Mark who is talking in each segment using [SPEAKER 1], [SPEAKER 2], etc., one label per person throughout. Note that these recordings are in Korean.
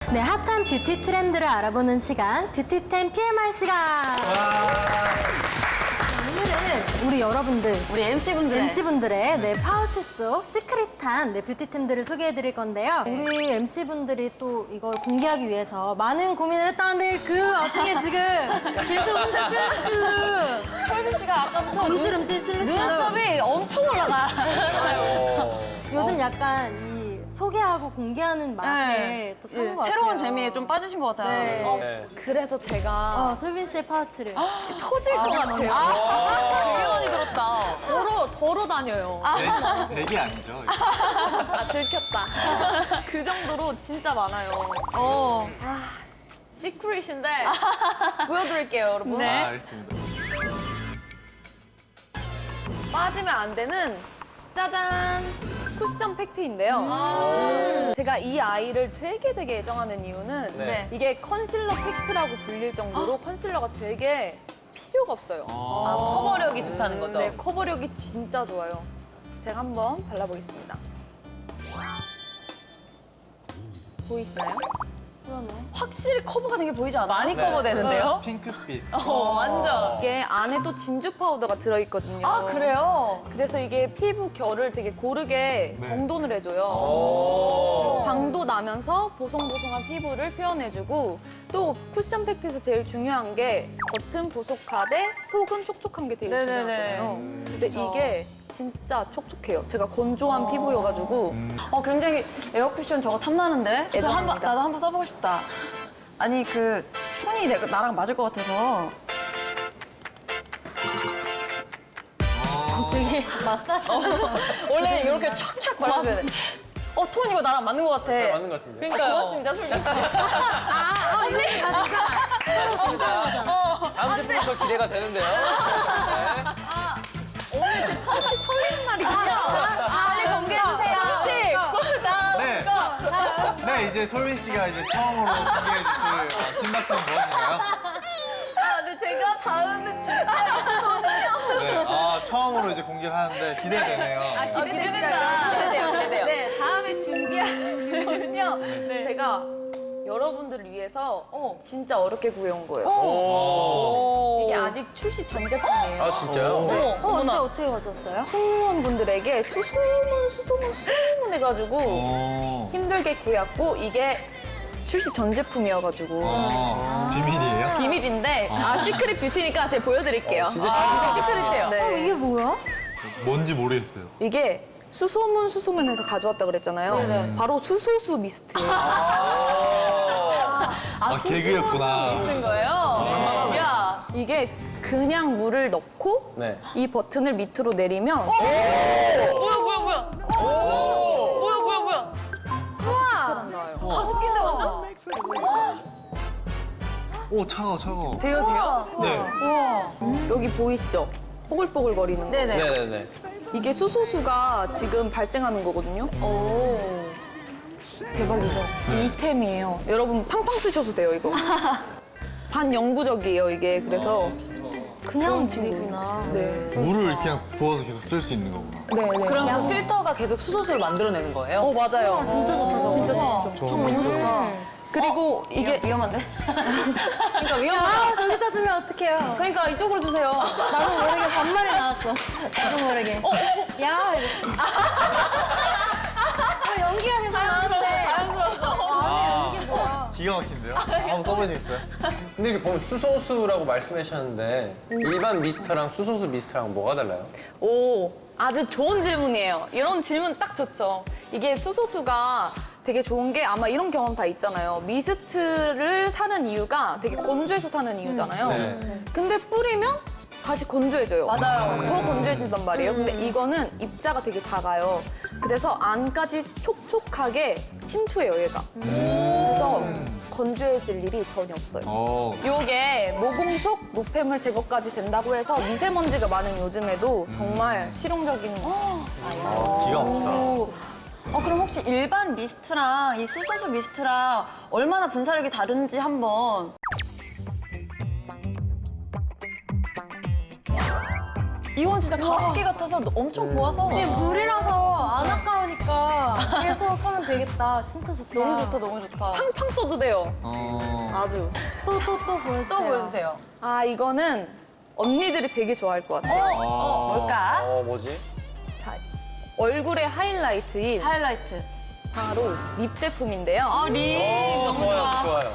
[SPEAKER 1] 네, 핫한 뷰티 트렌드를 알아보는 시간, 뷰티템 PMI 시간. 오늘은 우리 여러분들,
[SPEAKER 2] 우리 MC분들의
[SPEAKER 1] 네, 파우치 속 시크릿한 네, 뷰티템들을 소개해드릴 건데요. 우리 MC분들이 또 이걸 공개하기 위해서 많은 고민을 했다는데 그 와중에 지금 계속 혼자 슬슬
[SPEAKER 2] 철비 씨가 아까부터
[SPEAKER 1] 움찔움찔 실룩실룩.
[SPEAKER 2] 눈썹이 엄청 올라가.
[SPEAKER 1] 요즘 약간 이 소개하고 공개하는 맛에 또 사는 것 같아요.
[SPEAKER 2] 새로운 재미에 좀 빠지신 것 같아요.
[SPEAKER 1] 네.
[SPEAKER 3] 그래서 제가
[SPEAKER 1] 솔빈 씨의 파우치를.
[SPEAKER 3] 터질 것 같아요. 되게 많이 들었다. 덜어 다녀요.
[SPEAKER 4] 되게 아니죠.
[SPEAKER 3] 들켰다. 그 정도로 진짜 많아요. 시크릿인데 보여드릴게요, 여러분.
[SPEAKER 2] 네.
[SPEAKER 4] 알겠습니다.
[SPEAKER 3] 빠지면 안 되는 짜잔! 쿠션 팩트인데요. 제가 이 아이를 되게 애정하는 이유는
[SPEAKER 2] 네.
[SPEAKER 3] 이게 컨실러 팩트라고 불릴 정도로 컨실러가 되게 필요가 없어요.
[SPEAKER 5] 커버력이 좋다는 거죠?
[SPEAKER 3] 네, 커버력이 진짜 좋아요. 제가 한번 발라보겠습니다. 보이시나요?
[SPEAKER 2] 확실히 커버가 된 게 보이지 않아요?
[SPEAKER 5] 많이 커버되는데요?
[SPEAKER 4] 핑크빛.
[SPEAKER 2] 완전.
[SPEAKER 3] 이게 안에 또 진주 파우더가 들어있거든요.
[SPEAKER 2] 아, 그래요?
[SPEAKER 3] 그래서 이게 피부 결을 되게 고르게
[SPEAKER 4] 네.
[SPEAKER 3] 정돈을 해줘요. 광도 나면서 보송보송한 피부를 표현해주고 또 쿠션 팩트에서 제일 중요한 게 겉은 보속하되 속은 촉촉한 게 되게
[SPEAKER 2] 네네네.
[SPEAKER 3] 중요하잖아요. 근데 이게 진짜 촉촉해요. 제가 건조한 피부여가지고
[SPEAKER 2] 굉장히 에어쿠션 저거 탐나는데?
[SPEAKER 3] 애정합니다.
[SPEAKER 2] 나도 한번 써보고 싶다. 아니, 그 톤이 나랑 맞을 것 같아서.
[SPEAKER 1] 되게 마사지.
[SPEAKER 2] 원래 이렇게 촥촥 발라줘야 돼. 톤 이거 나랑 맞는 것 같아.
[SPEAKER 6] 잘 맞는 것 같은데.
[SPEAKER 5] 그러니까요.
[SPEAKER 2] 고맙습니다, 솔직히.
[SPEAKER 6] 다음 제품이 더 기대가 되는데요.
[SPEAKER 3] 털리는 날이군요. 빨리 공개해주세요.
[SPEAKER 4] 네. 네, 이제 솔빈 씨가 이제 처음으로 소개해 주실 신박한 무엇인가요?
[SPEAKER 3] 근데 제가 다음에 준비하겠거든요.
[SPEAKER 4] 네, 처음으로 이제 공개를 하는데 기대되네요.
[SPEAKER 3] 기대돼요. 네, 다음에 준비하거든요. 제가 여러분들을 위해서 진짜 어렵게 구해온 거예요. 이게 아직 출시 전 제품이에요.
[SPEAKER 6] 아, 진짜요?
[SPEAKER 1] 근데 어떻게 가져왔어요?
[SPEAKER 3] 승무원분들에게 수소문 해가지고 힘들게 구해왔고 이게 출시 전 제품이어가지고
[SPEAKER 4] 비밀이에요?
[SPEAKER 3] 비밀인데 시크릿 뷰티니까 제가 보여드릴게요.
[SPEAKER 6] 진짜
[SPEAKER 3] 시크릿해요. 네.
[SPEAKER 1] 이게 뭐야?
[SPEAKER 4] 뭔지 모르겠어요.
[SPEAKER 3] 이게 수소문해서 가져왔다 그랬잖아요. 바로 수소수 미스트예요.
[SPEAKER 4] 개그였구나.
[SPEAKER 2] 있는 거예요? 야.
[SPEAKER 3] 이게 그냥 물을 넣고
[SPEAKER 6] 네.
[SPEAKER 3] 이 버튼을 밑으로 내리면
[SPEAKER 2] 뭐야.
[SPEAKER 3] 처럼 나와요.
[SPEAKER 2] 가습기인데 완전?
[SPEAKER 4] 오, 차가워.
[SPEAKER 2] 돼요?
[SPEAKER 4] 네.
[SPEAKER 3] 여기 보이시죠? 뽀글뽀글 거리는 거.
[SPEAKER 2] 네네.
[SPEAKER 6] 네네네.
[SPEAKER 3] 이게 수소수가 지금 발생하는 거거든요. 대박이죠? 이템이에요. 여러분 팡팡 쓰셔도 돼요, 이거. 반영구적이에요, 이게. 그래서
[SPEAKER 1] 그냥 물이구나.
[SPEAKER 3] 네.
[SPEAKER 4] 물을 그냥 부어서 계속 쓸 수 있는 거구나.
[SPEAKER 3] 네.
[SPEAKER 5] 그럼 그 필터가 계속 수소수를 만들어내는 거예요?
[SPEAKER 3] 맞아요.
[SPEAKER 1] 진짜 좋다, 저거.
[SPEAKER 3] 진짜 좋죠.
[SPEAKER 4] 너무 좋다.
[SPEAKER 2] 그리고 이게 위험한데?
[SPEAKER 5] 그러니까 위험하다.
[SPEAKER 1] 저기다 두면 어떡해요?
[SPEAKER 5] 그러니까 이쪽으로 주세요.
[SPEAKER 1] 나도 모르게 반말이 나왔어. 나도 모르게. 야, 이랬어. 연기가 계속 나는데.
[SPEAKER 4] 기가 막힌데요? 한번 써보시겠어요?
[SPEAKER 6] 근데 이렇게 보면 수소수라고 말씀하셨는데 일반 미스터랑 수소수 미스터랑 뭐가 달라요?
[SPEAKER 3] 아주 좋은 질문이에요. 이런 질문 딱 좋죠. 이게 수소수가 되게 좋은 게 아마 이런 경험 다 있잖아요. 미스트를 사는 이유가 되게 건조해서 사는 이유잖아요.
[SPEAKER 6] 네.
[SPEAKER 3] 근데 뿌리면 다시 건조해져요.
[SPEAKER 2] 맞아요.
[SPEAKER 3] 더 건조해진단 말이에요. 근데 이거는 입자가 되게 작아요. 그래서 안까지 촉촉하게 침투해요, 얘가. 그래서 건조해질 일이 전혀 없어요. 요게 모공 속 노폐물 제거까지 된다고 해서 미세먼지가 많은 요즘에도 정말 실용적인
[SPEAKER 4] 기가 막히다.
[SPEAKER 2] 그럼 혹시 일반 미스트랑 이 수소수 미스트랑 얼마나 분사력이 다른지 한번. 이건 진짜 가습기 같아서 엄청 고와서
[SPEAKER 1] 이게 물이라서 안 아까우니까 계속 하면 되겠다. 진짜 좋다.
[SPEAKER 2] 너무 좋다, 너무 좋다.
[SPEAKER 3] 팡팡 써도 돼요. 아주.
[SPEAKER 1] 또 보여주세요.
[SPEAKER 5] 또 보여주세요.
[SPEAKER 3] 아, 이거는 언니들이 되게 좋아할 것 같아요.
[SPEAKER 2] 뭘까?
[SPEAKER 6] 뭐지?
[SPEAKER 3] 자, 얼굴의 하이라이트인
[SPEAKER 2] 하이라이트.
[SPEAKER 3] 바로 립 제품인데요.
[SPEAKER 2] 립 너무 좋아.
[SPEAKER 6] 좋아요.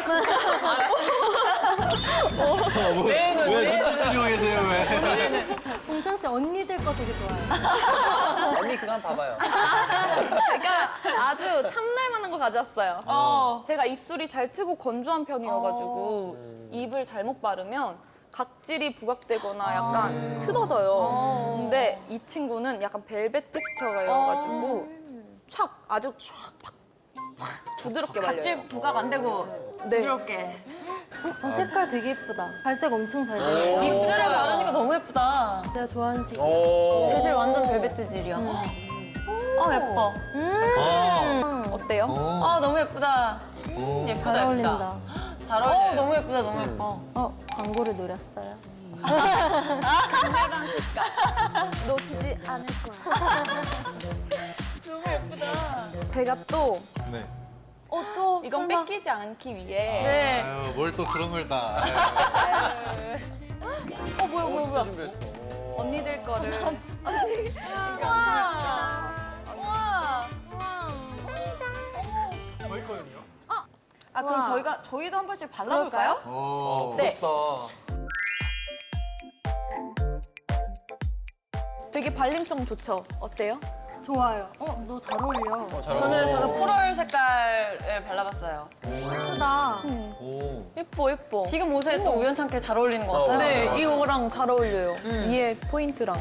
[SPEAKER 4] 왜 눈치 들이고 계세요, 왜?
[SPEAKER 1] 공찬 씨 언니들 거 되게 좋아해요.
[SPEAKER 6] 언니 그거 한번 봐봐요.
[SPEAKER 3] 제가 아주 탐날 만한 거 가져왔어요. 제가 입술이 잘 트고 건조한 편이어가지고 입을 잘못 바르면 각질이 부각되거나 약간 틀어져요. 근데 이 친구는 약간 벨벳 텍스처여가지고 아주 촥 부드럽게 발려요.
[SPEAKER 2] 각질 부각 안 되고 부드럽게.
[SPEAKER 1] 색깔 되게 예쁘다. 발색 엄청 잘 돼요.
[SPEAKER 2] 입술에 바르니까 너무 예쁘다.
[SPEAKER 1] 내가 좋아하는 색.
[SPEAKER 2] 재질 완전 벨벳 재질이야. 아 예뻐.
[SPEAKER 3] 어때요?
[SPEAKER 2] 아 너무 예쁘다.
[SPEAKER 1] 잘 어울린다.
[SPEAKER 2] 잘 어울려. 너무 예쁘다, 너무 예뻐.
[SPEAKER 1] 광고를 노렸어요.
[SPEAKER 3] 놓치지 않을 거야. 제가 또
[SPEAKER 4] 네.
[SPEAKER 2] 또
[SPEAKER 3] 이건
[SPEAKER 2] 설마.
[SPEAKER 3] 뺏기지 않기 위해
[SPEAKER 2] 네.
[SPEAKER 4] 아유, 뭘 또 그런 걸 다.
[SPEAKER 2] 뭐야.
[SPEAKER 6] 준비했어.
[SPEAKER 3] 언니들 거를
[SPEAKER 2] 우와.
[SPEAKER 4] 저희 거는요?
[SPEAKER 2] 아 그럼 저희도 한 번씩 발라볼까요?
[SPEAKER 3] 네.
[SPEAKER 4] 부럽다.
[SPEAKER 3] 되게 발림성 좋죠? 어때요?
[SPEAKER 1] 좋아요. 너 잘 어울려.
[SPEAKER 2] 저는 코랄 색깔을 발라봤어요.
[SPEAKER 1] 예쁘다.
[SPEAKER 4] 오.
[SPEAKER 3] 예뻐.
[SPEAKER 2] 지금 옷에 또 우연찮게 잘 어울리는 것 같아요.
[SPEAKER 3] 네, 이거랑 잘 어울려요. 위에 포인트랑.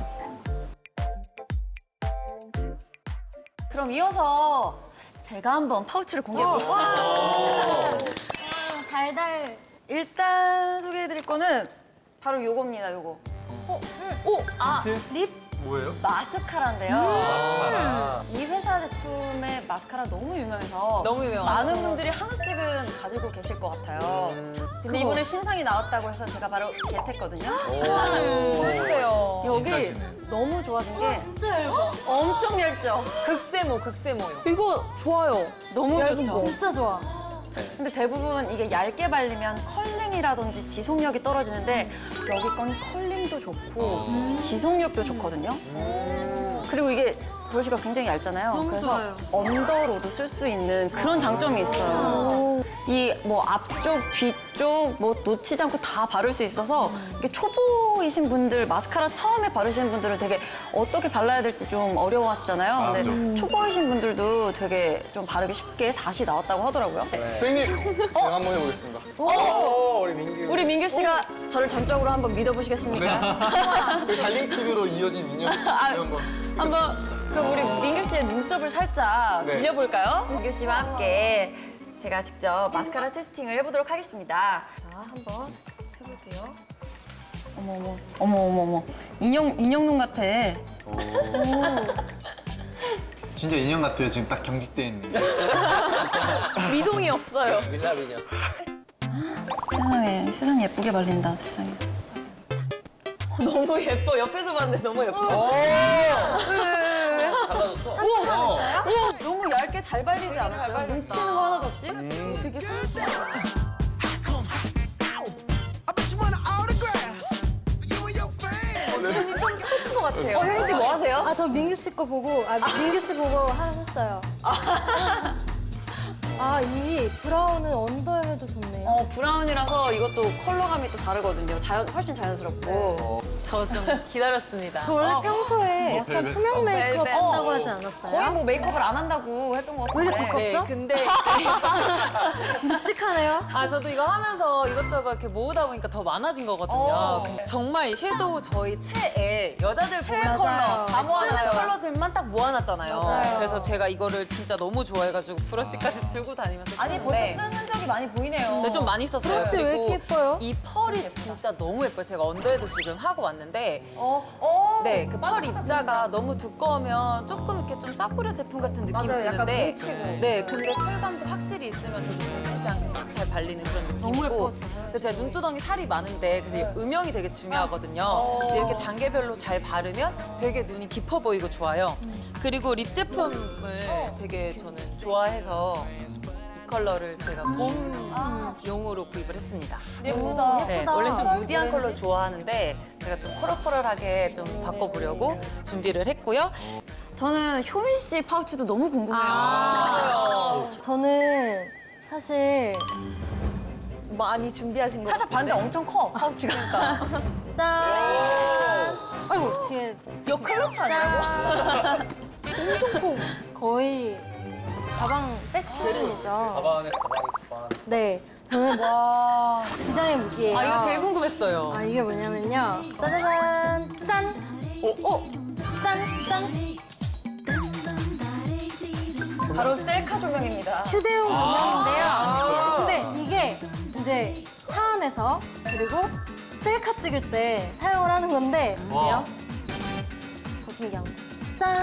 [SPEAKER 2] 그럼 이어서 제가 한번 파우치를 공개해볼게요.
[SPEAKER 1] 달달.
[SPEAKER 2] 일단 소개해드릴 거는 바로 요겁니다, 요거.
[SPEAKER 1] 립?
[SPEAKER 4] 뭐예요?
[SPEAKER 2] 마스카라인데요. 이 회사 제품의 마스카라 너무 유명해서
[SPEAKER 5] 너무 유명하죠.
[SPEAKER 2] 많은 분들이 하나씩은 가지고 계실 것 같아요. 근데 이번에 신상이 나왔다고 해서 제가 바로 겟했거든요.
[SPEAKER 5] 보여주세요.
[SPEAKER 2] 여기
[SPEAKER 4] 비싸시네.
[SPEAKER 2] 너무 좋아진 게
[SPEAKER 1] 진짜 얇아.
[SPEAKER 2] 엄청 얇죠?
[SPEAKER 5] 극세모요.
[SPEAKER 3] 이거 좋아요.
[SPEAKER 2] 너무 좋죠?
[SPEAKER 1] 진짜 좋아.
[SPEAKER 2] 근데 대부분 이게 얇게 바르면 컬링이라든지 지속력이 떨어지는데 여기 건 컬링도 좋고 지속력도 좋거든요. 그리고 이게 브러쉬가 굉장히 얇잖아요. 그래서
[SPEAKER 1] 좋아요.
[SPEAKER 2] 언더로도 쓸 수 있는 그런 장점이 있어요. 이 뭐 앞쪽, 뒤쪽 뭐 놓치지 않고 다 바를 수 있어서 이게 초보이신 분들, 마스카라 처음에 바르시는 분들은 되게 어떻게 발라야 될지 좀 어려워하시잖아요. 근데 초보이신 분들도 되게 좀 바르기 쉽게 다시 나왔다고 하더라고요.
[SPEAKER 7] 선생님, 제가 한번 해보겠습니다.
[SPEAKER 6] 우리 민규.
[SPEAKER 2] 우리 민규 씨가 저를 전적으로 한번 믿어보시겠습니까?
[SPEAKER 7] 저희 달링픽으로 이어진 인연 이런 거.
[SPEAKER 2] 한번 그럼 우리 민규 씨의 눈썹을 살짝
[SPEAKER 7] 네.
[SPEAKER 2] 빌려볼까요? 민규 씨와 함께 제가 직접 마스카라 테스팅을 해보도록 하겠습니다. 자, 한번 해볼게요. 어머. 인형 눈 같아.
[SPEAKER 4] 진짜 인형 같아요. 지금 딱 경직돼 있는.
[SPEAKER 3] 미동이 없어요.
[SPEAKER 6] 밀라 미녀.
[SPEAKER 2] 세상에 예쁘게 발린다, 세상에. 너무 예뻐. 옆에서 봤는데 너무 예뻐.
[SPEAKER 6] 달라졌어.
[SPEAKER 2] 너무 얇게 잘 발리지 않았어요? 뭉치는 거 하나도 없이?
[SPEAKER 3] 되게 섬세해.
[SPEAKER 2] 혜민 씨 뭐 하세요?
[SPEAKER 1] 저 민규 씨 거 보고, 민규 씨 보고 했어요. 이 브라운은 언더에 해도 좋네요.
[SPEAKER 2] 브라운이라서 이것도 컬러감이 또 다르거든요. 훨씬 자연스럽고.
[SPEAKER 5] 저 좀 기다렸습니다.
[SPEAKER 1] 저 원래 평소에 약간
[SPEAKER 4] 벨벳.
[SPEAKER 1] 투명 메이크업
[SPEAKER 5] 벨벳.
[SPEAKER 1] 한다고 하지 않았어요?
[SPEAKER 2] 거의 뭐 메이크업을 안 한다고 했던 것
[SPEAKER 1] 왜
[SPEAKER 2] 같은데.
[SPEAKER 1] 이렇게
[SPEAKER 5] 네,
[SPEAKER 1] 두껍죠?
[SPEAKER 5] 근데
[SPEAKER 1] 묵직하네요.
[SPEAKER 5] 저도 이거 하면서 이것저것 이렇게 모으다 보니까 더 많아진 거거든요. 근데 정말 이 섀도우 저희 최애 여자들 보면
[SPEAKER 1] 컬러
[SPEAKER 5] 다
[SPEAKER 2] 모아놨어요.
[SPEAKER 5] 쓰는 컬러들만 딱 모아놨잖아요.
[SPEAKER 1] 맞아요.
[SPEAKER 5] 그래서 제가 이거를 진짜 너무 좋아해가지고 브러쉬까지 들고 다니면서
[SPEAKER 2] 아니 벌써
[SPEAKER 5] 쓰는데
[SPEAKER 2] 쓴 흔적이 많이 보이네요.
[SPEAKER 5] 네, 좀 많이 썼어요.
[SPEAKER 1] 브러쉬 왜 이렇게 예뻐요?
[SPEAKER 5] 이 펄이 진짜 너무 예뻐요. 제가 언더에도 지금 하고 왔는데 네, 그 펄 입자가 너무 두꺼우면 조금 이렇게 좀 싸구려 제품 같은 느낌
[SPEAKER 2] 맞아요. 약간
[SPEAKER 5] 드는데
[SPEAKER 2] 뭉치고.
[SPEAKER 5] 네, 근데 펄감도 확실히 있으면 저도 뭉치지 않게 싹 딱 잘 발리는 그런 느낌이고. 그래서 제가 눈두덩이 살이 많은데 그래서 음영이 되게 중요하거든요. 근데 이렇게 단계별로 잘 바르면 되게 눈이 깊어 보이고 좋아요. 그리고 립 제품을 되게 저는 좋아해서 이 컬러를 제가 봄용으로 구입을 했습니다.
[SPEAKER 2] 예쁘다.
[SPEAKER 5] 네, 원래 좀 누디한 컬러 좋아하는데 제가 좀 코럴코럴하게 좀 바꿔보려고 준비를 했고요.
[SPEAKER 2] 저는 효민 씨 파우치도 너무 궁금해요.
[SPEAKER 1] 저는 사실
[SPEAKER 3] 많이 준비하신 거
[SPEAKER 2] 살짝 봤는데 엄청 커, 파우치가.
[SPEAKER 1] 짠! 아이고 뒤에
[SPEAKER 2] 여 클러치 아니야?
[SPEAKER 1] 엄청 커. 거의 가방 백 수준이죠.
[SPEAKER 6] 가방 안에 가방.
[SPEAKER 1] 네, 저는
[SPEAKER 5] 와,
[SPEAKER 1] 비장의 무기예요.
[SPEAKER 5] 아 이거 제일 궁금했어요.
[SPEAKER 1] 아, 이게 뭐냐면요. 짜자잔! 짠! 짠! 짠!
[SPEAKER 2] 바로 셀카 조명입니다.
[SPEAKER 1] 휴대용 조명인데요. 근데 이게 이제 차 안에서 그리고 셀카 찍을 때 사용을 하는 건데 보세요. 더 신기한 거. 짠!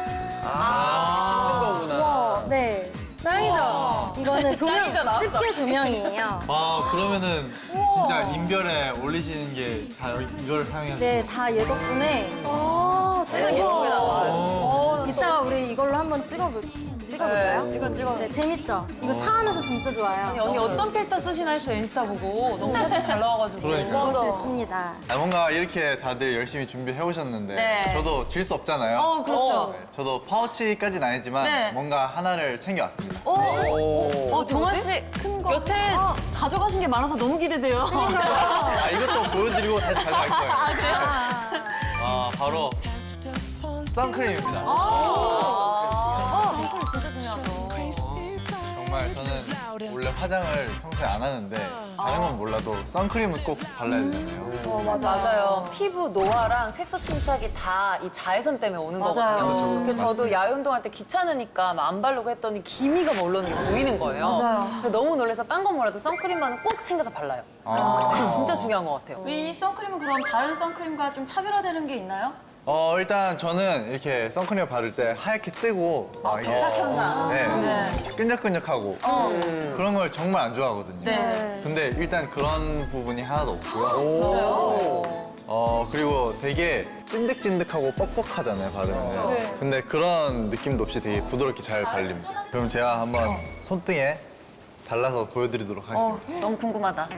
[SPEAKER 6] 찍는 거구나.
[SPEAKER 1] 네. 짱이죠? 이거는 조명,
[SPEAKER 2] 짱이죠, 나왔어.
[SPEAKER 1] 집게 조명이에요.
[SPEAKER 4] 아, 그러면은 진짜 인별에 올리시는 게 다 이걸 사용해서.
[SPEAKER 1] 네, 다 얘 덕분에
[SPEAKER 2] 제가 예쁘게 나와요.
[SPEAKER 1] 이따가 우리 이걸로 한번 찍어볼까요?
[SPEAKER 5] 이건 찍어.
[SPEAKER 1] 네, 재밌죠? 이거 차 안에서 진짜 좋아요.
[SPEAKER 5] 언니 어떤 필터 쓰시나 했어요, 인스타 보고. 너무 사진 잘 나와가지고.
[SPEAKER 4] 그러니까요.
[SPEAKER 1] 이것을 씁니다.
[SPEAKER 4] 아, 뭔가 이렇게 다들 열심히 준비해 오셨는데
[SPEAKER 2] 네.
[SPEAKER 4] 저도 질 수 없잖아요.
[SPEAKER 2] 그렇죠.
[SPEAKER 4] 네, 저도 파우치까지는 아니지만
[SPEAKER 2] 네.
[SPEAKER 4] 뭔가 하나를 챙겨왔습니다.
[SPEAKER 2] 정한 씨, 여태 가져가신 게 많아서 너무 기대돼요.
[SPEAKER 4] 아, 이것도 보여드리고 다시 가져갈 거예요. 아, 바로 선크림입니다.
[SPEAKER 2] 진짜 중요하죠.
[SPEAKER 4] 정말 저는 원래 화장을 평소에 안 하는데 다른 건 몰라도 선크림은 꼭 발라야 되잖아요.
[SPEAKER 5] 맞아요. 피부 노화랑 색소 침착이 다 이 자외선 때문에 오는
[SPEAKER 2] 맞아요.
[SPEAKER 5] 거거든요. 그래서 저도 야외 운동할 때 귀찮으니까 막 안 바르고 했더니 기미가 막 올라오는 게 보이는 거예요.
[SPEAKER 2] 맞아요.
[SPEAKER 5] 그래서 너무 놀라서 딴 건 몰라도 선크림만은 꼭 챙겨서 발라요. 네, 진짜 중요한 것 같아요.
[SPEAKER 2] 이 선크림은 그럼 다른 선크림과 좀 차별화되는 게 있나요?
[SPEAKER 4] 일단 저는 이렇게 선크림 바를 때 하얗게 뜨고 막 이게 네, 끈적끈적하고 그런 걸 정말 안 좋아하거든요.
[SPEAKER 2] 네.
[SPEAKER 4] 근데 일단 그런 부분이 하나도 없고요.
[SPEAKER 2] 진짜요?
[SPEAKER 4] 그리고 되게 찐득찐득하고 뻑뻑하잖아요, 바르면. 근데 그런 느낌도 없이 되게 부드럽게 잘 발립니다. 그럼 제가 한번 손등에 발라서 보여드리도록 하겠습니다.
[SPEAKER 2] 너무 궁금하다.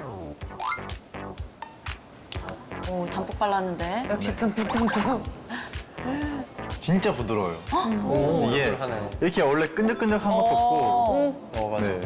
[SPEAKER 2] 오, 담뿍 발랐는데.
[SPEAKER 5] 역시 듬뿍듬뿍.
[SPEAKER 4] 진짜 부드러워요. 이게
[SPEAKER 6] 부드러워하네.
[SPEAKER 4] 이렇게 원래 끈적끈적한 것도 없고
[SPEAKER 6] 맞아.
[SPEAKER 4] 네.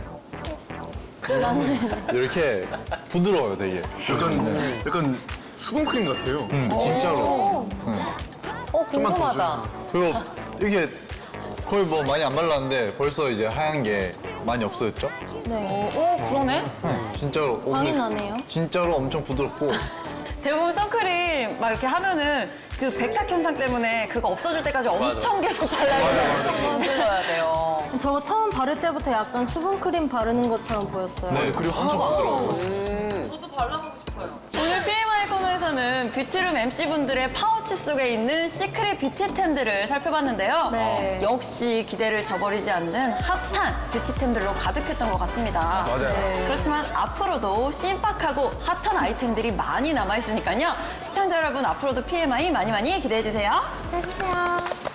[SPEAKER 4] 이렇게 부드러워요, 되게.
[SPEAKER 7] 약간 수분크림 같아요.
[SPEAKER 4] 진짜로.
[SPEAKER 5] 궁금하다.
[SPEAKER 4] 그리고 이게 거의 뭐 많이 안 발랐는데 벌써 이제 하얀 게 많이 없어졌죠?
[SPEAKER 2] 그러네?
[SPEAKER 4] 진짜로.
[SPEAKER 1] 광이 나네요.
[SPEAKER 4] 진짜로 엄청 부드럽고.
[SPEAKER 2] 대부분 선크림 막 이렇게 하면은 그 백탁 현상 때문에 그거 없어질 때까지 엄청 계속 발라야 돼요.
[SPEAKER 5] 만들어야 돼요.
[SPEAKER 1] 저 처음 바를 때부터 약간 수분크림 바르는 것처럼 보였어요.
[SPEAKER 4] 네, 그리고 엄청 부드러워요.
[SPEAKER 5] 저도 발라보고 싶어요.
[SPEAKER 2] 오늘 PMI 코너에서는 뷰티룸 MC분들의 파우치 속에 있는 시크릿 뷰티템들을 살펴봤는데요.
[SPEAKER 1] 네.
[SPEAKER 2] 역시 기대를 저버리지 않는 핫한 뷰티템들로 가득했던 것 같습니다.
[SPEAKER 4] 맞아요.
[SPEAKER 2] 그렇지만 앞으로도 신박하고 핫한 아이템들이 많이 남아있으니까요. 시청자 여러분 앞으로도 PMI 많이 기대해주세요.
[SPEAKER 1] 해주세요.